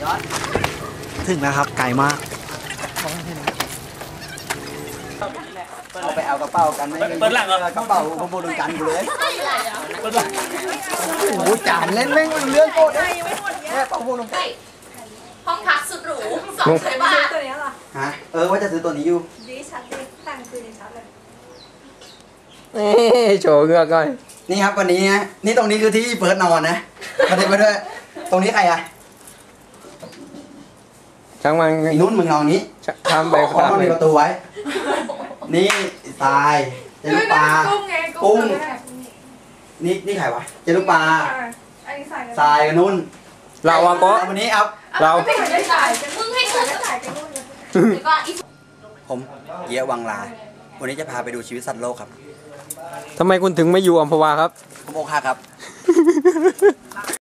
ถึงแล้วครับไกลมากเอาไปเอากระเป๋ากันไม่เปิดหลังกระเป๋าขโมยกันกูเลยโอ้จานเล่นแม่งเรื่องโคตรได้แค่ขโมยกันห้องพักสุดหรู200 บาทตัวนี้เหรอฮะว่าจะซื้อตัวนี้อยู่ดีชัดดิแต่งคือดีชัดเลยโชว์เงือกก่อนนี่ครับวันนี้นะนี่ตรงนี้คือที่เฟิร์สนอนนะมาดูไปด้วยตรงนี้ใครอะช่างมันนุ่นมึงนอนนี้ทำไปขอต้องมีประตูไว้นี่ทรายเจลูกปลากุ้งนี่ใครวะเจลูกปลาทรายกับนุ่นเราอะก็วันนี้ครับเรามึงให้ฉันจ่ายไปนู่นแล้วก็ผมเยี่ยวังลาวันนี้จะพาไปดูชีวิตสัตว์โลกครับทำไมคุณถึงไม่อยู่อัมพวาครับผมอกหักครับ